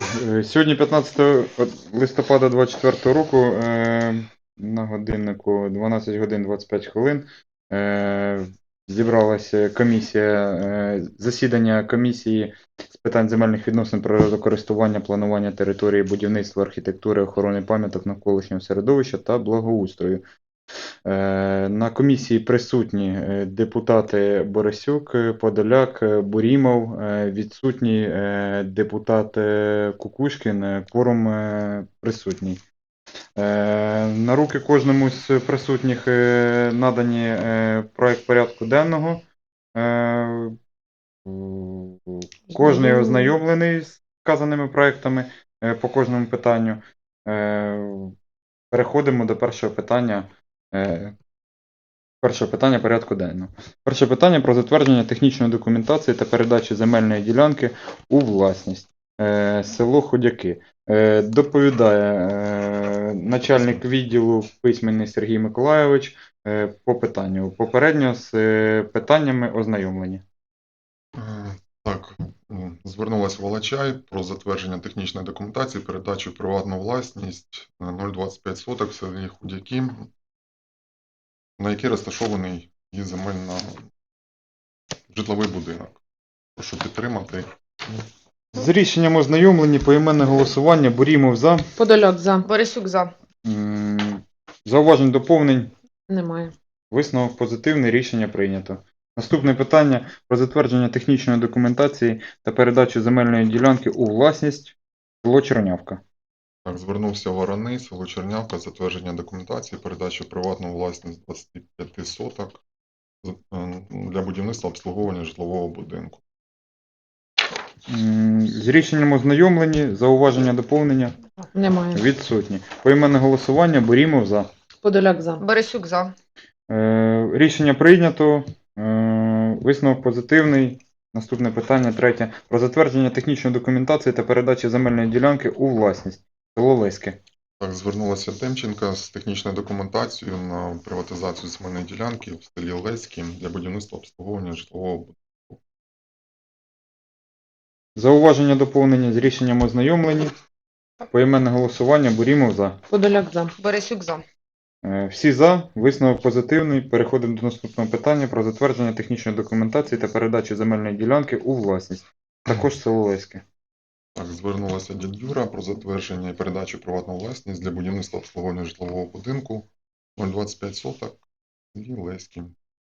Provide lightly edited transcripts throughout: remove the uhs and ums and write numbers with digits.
Сьогодні 15 листопада 2024 року на годиннику 12 годин 25 хвилин зібралася комісія, засідання комісії з питань земельних відносин, природокористування, планування території, будівництва, архітектури, охорони пам'яток навколишнього середовища та благоустрою. На комісії присутні депутати Борисюк, Подоляк, Бурімов, відсутній депутат Кукушкін, кворум присутній. На руки кожному з присутніх надані проект порядку денного. Кожний ознайомлений з вказаними проектами по кожному питанню. Переходимо до першого питання. Перше питання порядку денного. Перше питання про затвердження технічної документації та передачі земельної ділянки у власність. Село Ходяки. Доповідає начальник відділу письменний Сергій Миколайович по питанню. Попередньо з питаннями ознайомлені. Так, звернулася Волочай про затвердження технічної документації, передачу в приватну власність 0,25 соток в селі Худяки, на якій розташований її земельний житловий будинок. Прошу підтримати. З рішенням ознайомлені, поіменне голосування, Бурімов за. Подоляк за. Борисюк за. Зауважень, доповнень. Немає. Висновок позитивний, рішення прийнято. Наступне питання про затвердження технічної документації та передачу земельної ділянки у власність село Чернявка. Так, звернувся Вороний, село Чернявка, затвердження документації, передачу в приватну власність 25 соток для будівництва обслуговування житлового будинку. З рішенням ознайомлені, зауваження, доповнення. Немає. Відсутні. Поіменне голосування, Бурімов за. Подоляк за. Борисюк за. Рішення прийнято. Висновок позитивний. Наступне питання, третє. Про затвердження технічної документації та передачі земельної ділянки у власність. Село Леське. Так, звернулася Демченка з технічною документацією на приватизацію земельної ділянки в селі Леське для будівництва обслуговування житлового будинку. Зауваження, доповнення, з рішенням ознайомлені. Поіменне голосування, Бурімов за. Подоляк за. Борисюк за. Всі за. Висновок позитивний. Переходимо до наступного питання про затвердження технічної документації та передачі земельної ділянки у власність. Також село Леське. Так, звернулася дід Юра про затвердження і передачу в приватну власність для будівництва обслуговування житлового будинку 0,25 соток в селі Леське.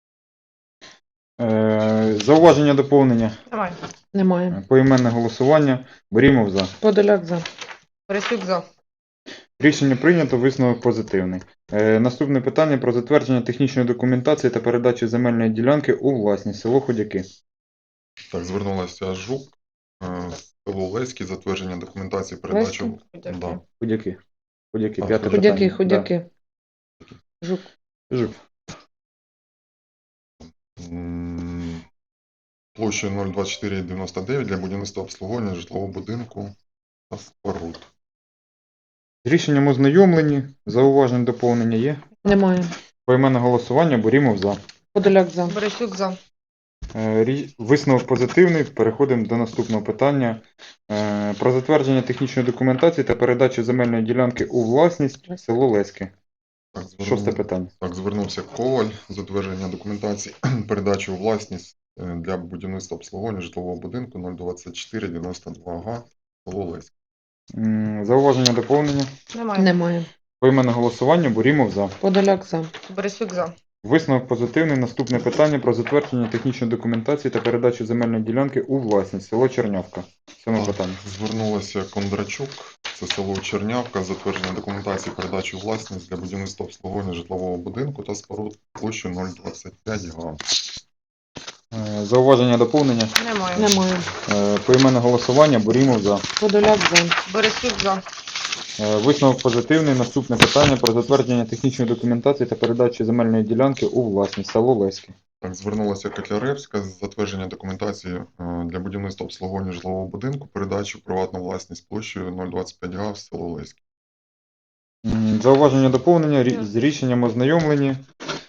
Зауваження, доповнення. Немає. Поіменне голосування. Бурімов за. Подоляк за. Борисюк за. Рішення прийнято, висновок позитивний. Наступне питання про затвердження технічної документації та передачі земельної ділянки у власність. Село Ходяки. Так, звернулася Жук, село Леське, затвердження документації, передачу... Да. Ходяки. Ходяки, А, п'яте Ходяки, питання. ходяки. Жук. Жук. Площею 0,2499 для будівництва обслуговування житлового будинку та споруд. З рішенням ознайомлені. Зауважень, доповнення є. Немає. Поіменне голосування. Бурімов за. Подоляк за. Борисюк за. Висновок позитивний. Переходимо до наступного питання. Про затвердження технічної документації та передачу земельної ділянки у власність. Село Леське. Так, Шосте питання. Так, звернувся Коваль, затвердження документації, передачу у власність для будівництва обслуговування житлового будинку 02492 га, село Леське. Зауваження, доповнення. Немає. Поіменне голосування. Бурімов за. Подоляк за. Борисюк за. Висновок позитивний. Наступне питання про затвердження технічної документації та передачу земельної ділянки у власність. Село Чернявка. Сьоме питання. Звернулася Кондрачук, це село Чернявка, затвердження документації, передачу у власність для будівництва обслуговування житлового будинку та споруд площею 025 га. Зауваження, доповнення. Немає. Поіменне голосування. Бурімов за. Подоляк за. Борисюк за. Висновок позитивний. Наступне питання про затвердження технічної документації та передачу земельної ділянки у власність. Село Леське. Так, звернулася Котляревська з затвердження документації для будівництва обслуговування житлового будинку, передачу в приватну власність площею 025 га в село Леське. Зауваження, доповнення. З рішенням ознайомлені.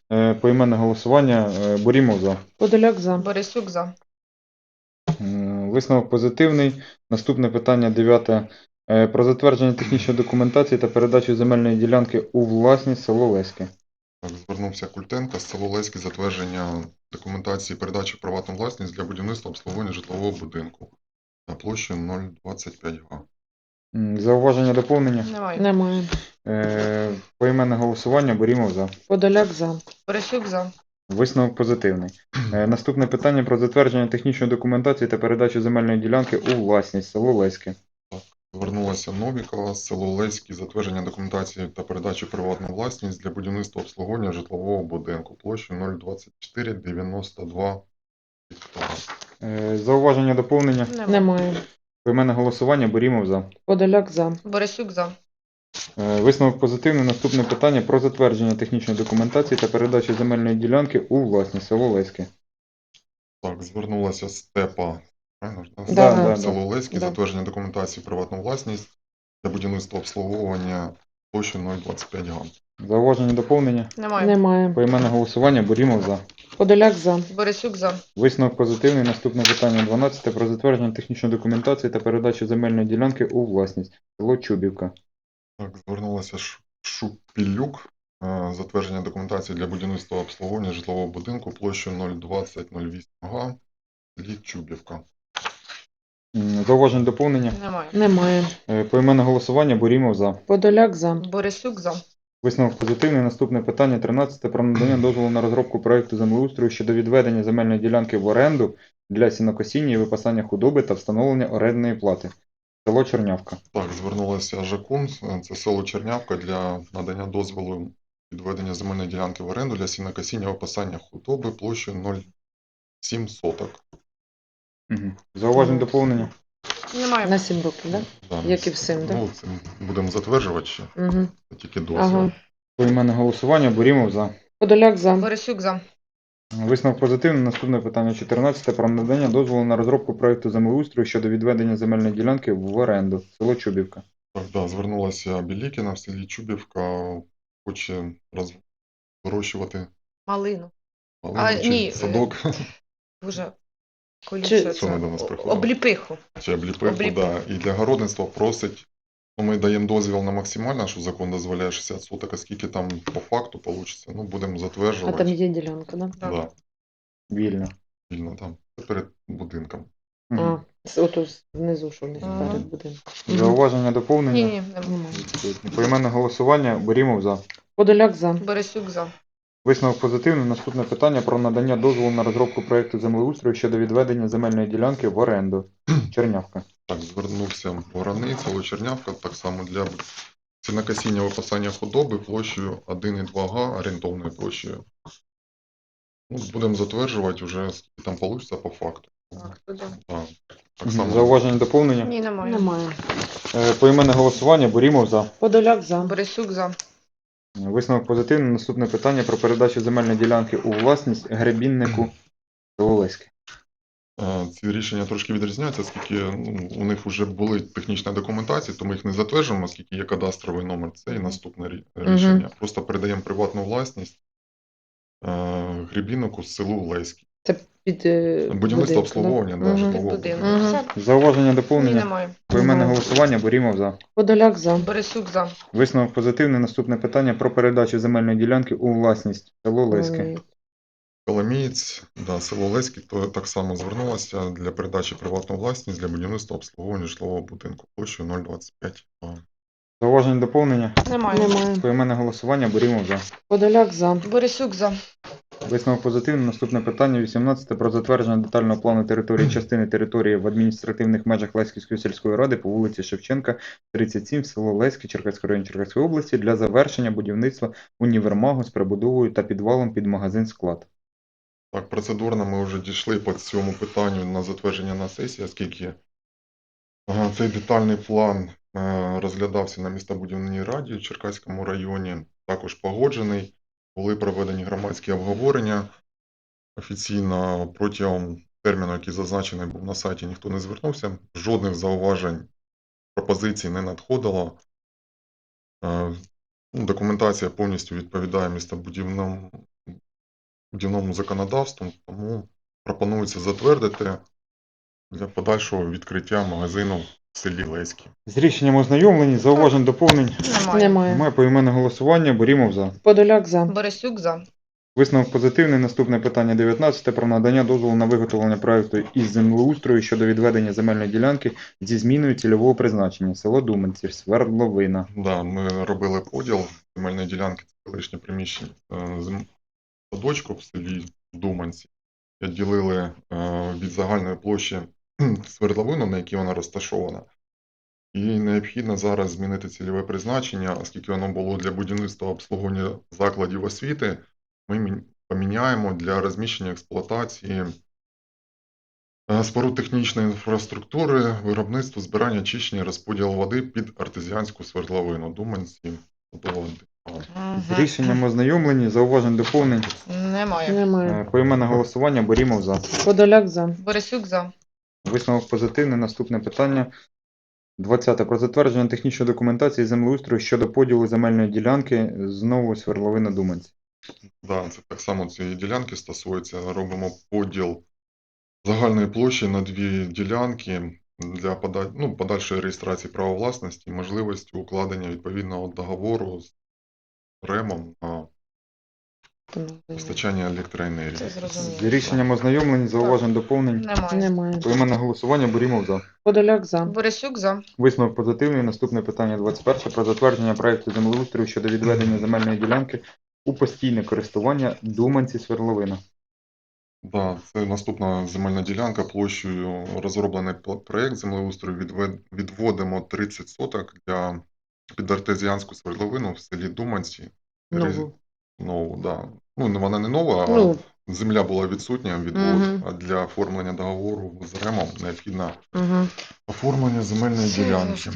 Поіменне голосування. Бурімов за. Подоляк за. Борисюк за. Висновок позитивний. Наступне питання 9. Про затвердження технічної документації та передачу земельної ділянки у власність село Леське. Так, звернувся Культенко з село Леське затвердження документації передачі в приватну власність для будівництва обслуговування житлового будинку на площу 0,25 га. Зауваження доповнення. Немає. Немає. Поіменне голосування. Борімов за. Подоляк за. Борисюк за. Висновок позитивний. Наступне питання про затвердження технічної документації та передачу земельної ділянки у власність село Леське. Звернулася Новікова з село Леське затвердження документації та передачі в приватну власність для будівництва обслуговування житлового будинку площею 0,2492 гектара. Зауваження доповнення. Немає. Поіменне голосування. Борімов за. Подоляк за. Борисюк за. Висновок позитивний. Наступне питання про затвердження технічної документації та передачу земельної ділянки у власність село Леське. Так, звернулася Степа, правильно ж, да? Да. Село Леське, Да. затвердження документації в приватну власність для будівництва обслуговування площею 0,25 га. Зауваження доповнення. Немає. Поіменне голосування. Борімов за. Подоляк за. Борисюк за. Висновок позитивний. Наступне питання 12. Про затвердження технічної документації та передачу земельної ділянки у власність село Чубівка. Так, звернулася Шупілюк, затвердження документації для будівництва обслуговування житлового будинку площею 0,2008 га, селі Чубівка. Зауважень доповнення. Немає. Поіменне голосування. Борімов за. Подоляк за. Борисюк за. Висновок позитивний. Наступне питання 13. Про надання дозволу на розробку проекту землеустрою щодо відведення земельної ділянки в оренду для сінокосіння і випасання худоби та встановлення орендної плати. Село Чернявка. Так, звернулася Жакун, це село Чернявка, для надання дозволу відведення земельної ділянки в оренду для сінокосіння випасання худоби площею 0,7 соток. Зауважень доповнення. Немає. На 7 років, так? Да, Як і всім, так? Ну, це будемо затверджувати ще, Угу. це тільки дозвіл. Ага. Поіменне голосування. Борімов за. Подоляк за. Борисюк за. Висновок позитивний. Наступне питання 14. Про надання дозволу на розробку проекту землеустрою щодо відведення земельної ділянки в оренду. Село Чубівка. Так, да, звернулася Білікіна в селі Чубівка, хоче вирощувати Малину. малину чи ні, садок, Дуже Що колюче. ми до нас приходили? Обліпиху. чи обліпиху, да. І для городництва просить, ну, ми даємо дозвіл на максимально, що закон дозволяє 60 соток, а скільки там по факту вийде, ну, будемо А затверджувати. там є ділянка, так? Да, Вільно. вільно там, це перед будинком. А, ото знизу, що не Ага. перед будинком. Зауваження доповнення. Ні, немає. Поіменне голосування. Борімов за. Подоляк за. Борисюк за. Висновок позитивний. Наступне питання про надання дозволу на розробку проекту землеустрою щодо відведення земельної ділянки в оренду. Чернявка. Так, звернувся Вороний, село Чернявка, так само для сінокосіння випасання худоби площею 1,2 га, орієнтовною площею. Ну, будемо затверджувати вже, скільки там вийде по факту. Так, так само. Зауваження доповнення. Ні, немає. Поіменне голосування. Борімов за. Подоляк за. Борисюк за. Висновок позитивний. Наступне питання про передачу земельної ділянки у власність гребіннику село Леське. Ці рішення трошки відрізняються, оскільки ну, у них вже були технічні документації, то ми їх не затверджуємо, оскільки є кадастровий номер. Це і наступне рішення. Просто передаємо приватну власність гребіннику з селу Леське. Це під Будівництво обслуговування, да, житлового будинку. будинку. Зауваження Ні, доповнення. немає. Поіменне голосування. Борімов за. Подоляк за. Борисюк за. Висновок позитивний. Наступне питання про передачу земельної ділянки у власність село Леське. Коломієць, да, село Леське, то так само звернулося для передачі приватну власність для будівництва обслуговування житлового будинку площею 0,25 га. Зауваження доповнення. Немає. Поіменне голосування. Борімов за. Подоляк за. Борисюк за. Висновок позитивний. Наступне питання 18. Про затвердження детального плану території частини території в адміністративних межах Леськівської сільської ради по вулиці Шевченка, 37, село Леське, Черкаський район Черкаської області для завершення будівництва універмагу з прибудовою та підвалом під магазин-склад. Так, процедурно ми вже дійшли по цьому питанню на затвердження на сесії, оскільки цей детальний план розглядався на містобудівній раді в Черкаському районі, також погоджений, були проведені громадські обговорення. Офіційно протягом терміну, який зазначений був на сайті, ніхто не звернувся, жодних зауважень, пропозицій не надходило. Документація повністю відповідає містобудівному законодавству, тому пропонується затвердити для подальшого відкриття магазину в селі Леськи. З рішенням ознайомлені, зауважень, доповнень. Немає. Немає. Поіменне голосування. Борімов за. Подоляк за. Борисюк за. Висновок позитивний. Наступне питання 19 про надання дозволу на виготовлення проекту із землеустрою щодо відведення земельної ділянки зі зміною цільового призначення. Село Думанці, Свердловина. Да, ми робили поділ земельної ділянки, це колишнє приміщення садочку в селі Думанці. Відділили від загальної площі свердловину, на якій вона розташована. І необхідно зараз змінити цільове призначення, оскільки воно було для будівництва обслуговування закладів освіти, ми поміняємо для розміщення експлуатації споруд технічної інфраструктури, виробництво, збирання, очищення, розподіл води під артезіанську свердловину. Думанці. З рішенням ознайомлені, зауважень, доповнень. Немає. Немає. Поіменне голосування. Борімов за. Подоляк за. Борисюк за. Висновок позитивний. Наступне питання 20 про затвердження технічної документації землеустрою щодо поділу земельної ділянки знову Свердловина Думанці. Да, це так само цієї ділянки стосується. Робимо поділ загальної площі на дві ділянки для подальшої реєстрації права власності і можливості укладення відповідного договору з РЕМом на постачання електроенергії. Це З зрозуміло. рішенням ознайомлені, зауважень, доповнень. Немає. Немає. Поіменне голосування. Борімов за. Подоляк за. Борисюк за. Висновок позитивний. Наступне питання 21 про затвердження проекту землеустрою щодо відведення земельної ділянки у постійне користування Думанці Свердловина. Да, це наступна земельна ділянка площею розроблений проєкт землеустрою. Відводимо 30 соток під артезіанську свердловину в селі Думанці. Нову. Нову, да. Ну, вона не нова, а Ну, земля була відсутня, відвод. Мгм. А для оформлення договору з РЕМом необхідно угу. оформлення земельної ділянки.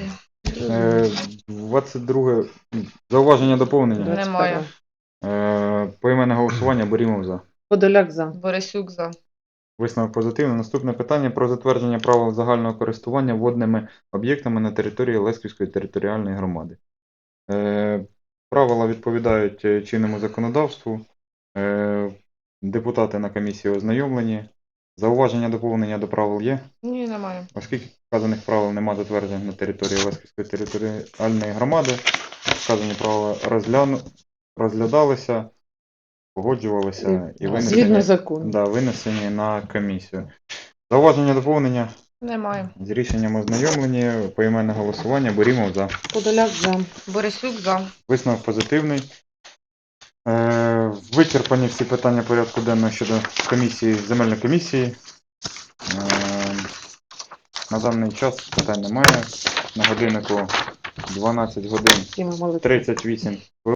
22 зауваження, доповнення. Немає. Поіменне голосування. Борімов за. Подоляк за. Борисюк за. Висновок позитивний. Наступне питання про затвердження правил загального користування водними об'єктами на території Лесківської територіальної громади. Правила відповідають чинному законодавству. Депутати на комісії ознайомлені. Зауваження, доповнення до правил є. Ні, немає. Оскільки вказаних правил немає затверджених на території Лесківської територіальної громади, вказані правила розглядалися, погоджувалися і Згідно закону. винесені на комісію. Зауваження, доповнення Немає. з рішенням ознайомлені, поіменне голосування, Борімов за. Подоляк за. Борисюк за. Висновок позитивний. Вичерпані всі питання порядку денного щодо земельної комісії. На даний час питань немає. На годиннику 12 годин Всі ми молодці. 38